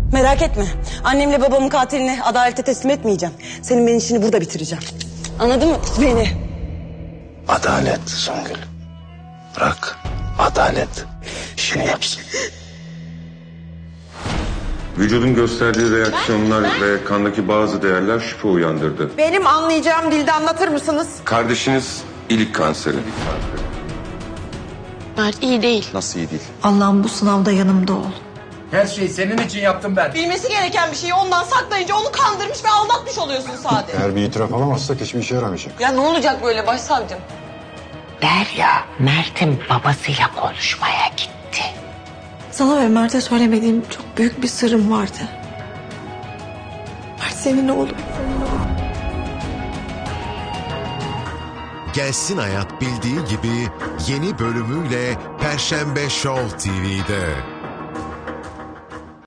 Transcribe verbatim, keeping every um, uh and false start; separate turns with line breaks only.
Merak etme. Annemle babamın katilini adalete teslim etmeyeceğim. Senin benim işini burada bitireceğim. Anladın mı beni?
Adalet Songül. Bırak adalet işini yapsın.
Vücudun gösterdiği reaksiyonlar ve kandaki bazı değerler şüphe uyandırdı.
Benim anlayacağım dilde anlatır mısınız?
Kardeşiniz ilik kanseri.
Mert iyi değil.
Nasıl iyi değil?
Allah'ım bu sınavda yanımda ol.
Her şeyi senin için yaptım ben.
Bilmesi gereken bir şeyi ondan saklayınca onu kandırmış ve aldatmış oluyorsun sadece.
Eğer bir itiraf alamazsak hiçbir işe yaramayacak.
Ya ne olacak böyle başsavcım?
Derya, Mert'in babasıyla konuşmaya gitti.
Sana ve Mert'e söylemediğim çok büyük bir sırrım vardı. Mert senin oğlum.
Gelsin Hayat bildiği gibi yeni bölümüyle Perşembe Show T V'de.